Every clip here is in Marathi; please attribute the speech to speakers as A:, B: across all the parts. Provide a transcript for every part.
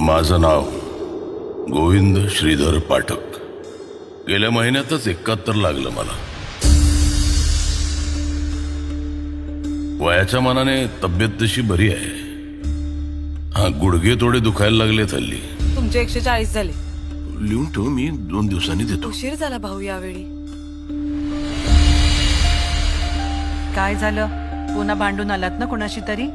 A: माझं नाव गोविंद श्रीधर पाठक. गेल्या महिन्यातच 71 लागलं मला. वयाच्या मानाने तब्येत तशी बरी आहे. हा, गुडघे थोडे दुखायला लागले हल्ली.
B: तुमचे 140 झाले.
A: लिहून ठेव, मी 2 दिवसांनी देतो.
B: उशीर झाला भाऊ यावेळी.
C: काय झालं? पुन्हा भांडून आलात ना कोणाशी तरी?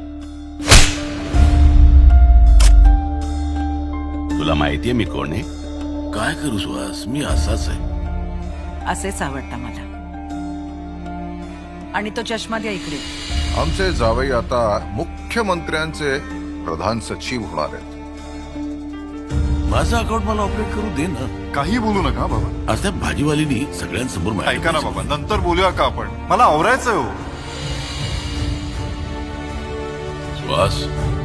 D: तुला माहितीये मी कोण आहे?
A: काय करू सुहास, मी असाच आहे.
C: असेच आवडता मला. आणि तो चष्मा द्या इकडे.
E: आमचे जावई आता मुख्यमंत्र्यांचे प्रधान सचिव होणार आहेत.
A: माझं अकाउंट मला ऑपरेट करू दे ना.
E: काही बोलू नका बाबा.
A: आज त्या भाजीवालीनी सगळ्यांसमोर माझ्या
E: ऐका ना बाबा, नंतर बोलूया का आपण? मला आवरायचंय हो.
A: सुहास,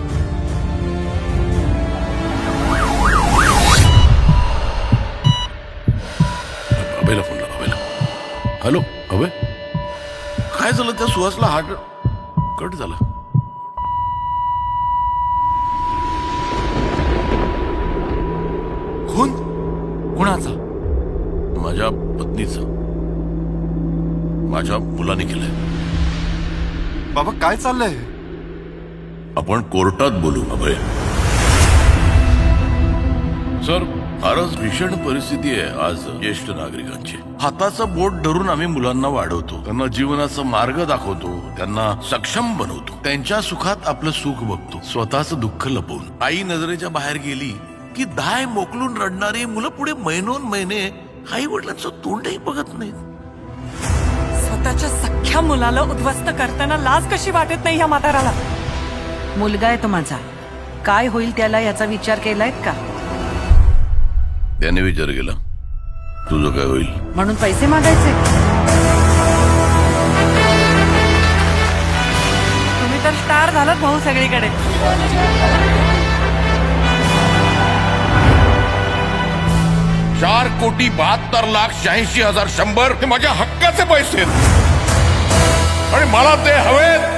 A: अभयला फोन लाव. अभयला. हॅलो अभय, काय झालं? त्या सुहासला हार्ट कट झाला.
D: कोण? कोणाचा?
A: माझ्या पत्नीचा. माझ्या मुलाने केलंय.
E: बाबा काय चाललंय?
A: आपण कोर्टात बोलू अभय. सर, फारच भीषण परिस्थिती आहे आज ज्येष्ठ नागरिकांची. हाताचं बोट धरून आम्ही मुलांना वाढवतो, त्यांना जीवनाचा मार्ग दाखवतो, त्यांना सक्षम बनवतो, त्यांच्या सुखात आपलं सुख बघतो, स्वतःचं दुःख लपवून. आई नजरेच्या बाहेर गेली की दाय मोकलून रडणारी मुलं पुढे महिनोन महिने आई वडिलांचं तोंडही बघत नाहीत.
B: स्वतःच्या सख्ख्या मुलाला उद्ध्वस्त करताना लाज कशी वाटत नाही ह्या म्हाताराला?
C: मुलगा आहे तो माझा. काय होईल त्याला याचा विचार केलायत का?
A: त्याने विचार केला, तुझं काय होईल?
C: म्हणून पैसे मागायचे?
B: तुम्ही तर स्टार झालात भाऊ सगळीकडे.
A: 4,72,86,100 हे माझ्या हक्काचे पैसे आहेत आणि मला ते हवेत.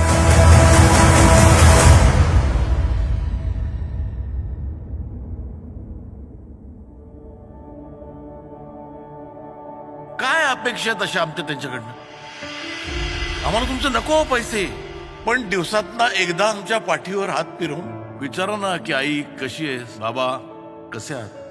A: काय अपेक्षा आहेत अशा आमच्या त्यांच्याकडनं? आम्हाला तुमचं नको हो पैसे, पण दिवसातना एकदा आमच्या पाठीवर हात फिरवून विचारा ना की आई कशी आहेस, बाबा कसे आहात.